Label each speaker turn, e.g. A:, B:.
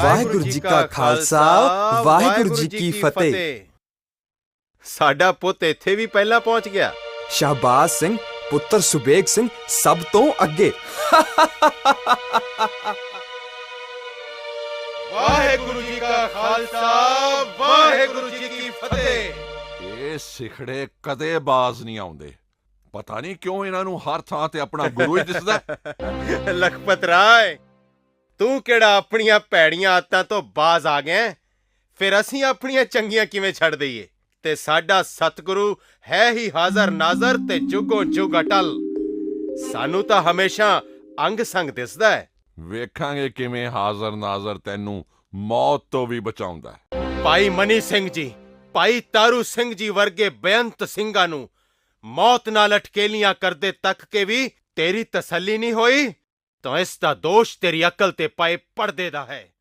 A: ਵਾਹਿਗੁਰੂ ਜੀ ਕਾ ਖਾਲਸਾ ਵਾਹਿਗੁਰੂ ਜੀ ਕੀ ਫਤਿਹ।
B: ਸਾਡਾ ਪੁੱਤ ਇੱਥੇ ਵੀ ਪਹਿਲਾਂ ਪਹੁੰਚ ਗਿਆ।
A: ਸ਼ਾਹਬਾਜ਼ ਸਿੰਘ ਪੁੱਤਰ ਸੁਬੇਗ ਸਿੰਘ ਸਭ ਤੋਂ ਅੱਗੇ।
B: ਵਾਹਿਗੁਰੂ ਜੀ ਕਾ ਖਾਲਸਾ ਵਾਹਿਗੁਰੂ ਜੀ ਕੀ ਫਤਿਹ।
C: ਇਹ ਸਿਖੜੇ ਕਦੇ ਬਾਜ਼ ਨਹੀਂ ਆਉਂਦੇ। ਪਤਾ ਨਹੀਂ ਕਿਉਂ ਇਹਨਾਂ ਨੂੰ ਹਰ ਥਾਂ ਤੇ ਆਪਣਾ ਗੁਰੂ ਹੀ ਦਿਸਦਾ।
B: ਲਖਪਤ ਰਾਏ, ਤੂੰ ਕਿਹੜਾ ਆਪਣੀਆਂ ਭੈੜੀਆਂ ਆਦਤਾਂ ਤੋਂ ਬਾਜ਼ ਆ ਗਿਆ? ਫਿਰ ਅਸੀਂ ਆਪਣੀਆਂ ਚੰਗੀਆਂ ਕਿਵੇਂ ਛੱਡ ਦਈਏ? ਤੇ ਸਾਡਾ ਸਤਿਗੁਰੂ ਹੈ ਹੀ ਹਾਜ਼ਰ ਨਾਜ਼ਰ ਤੇ ਜੁਗੋ ਜੁਗ ਅਟਲ। ਸਾਨੂੰ ਤਾਂ ਹਮੇਸ਼ਾ ਅੰਗ ਸੰਗ ਦਿਸਦਾ ਹੈ।
C: ਵੇਖਾਂਗੇ ਕਿਵੇਂ ਹਾਜ਼ਰ ਨਾਜ਼ਰ ਤੈਨੂੰ ਮੌਤ ਤੋਂ ਵੀ ਬਚਾਉਂਦਾ।
B: ਭਾਈ ਮਨੀ ਸਿੰਘ ਜੀ, ਭਾਈ ਤਾਰੂ ਸਿੰਘ ਜੀ ਵਰਗੇ ਬੇਅੰਤ ਸਿੰਘਾਂ ਨੂੰ ਮੌਤ ਨਾਲ ਅਟਕੇਲੀਆਂ ਕਰਦੇ ਤੱਕ ਕੇ ਵੀ ਤੇਰੀ ਤਸੱਲੀ ਨਹੀਂ ਹੋਈ, ਤਾਂ ਇਸ ਦਾ ਦੋਸ਼ ਤੇਰੀ ਅਕਲ ਤੇ ਪਏ ਪਰਦੇ ਦਾ ਹੈ।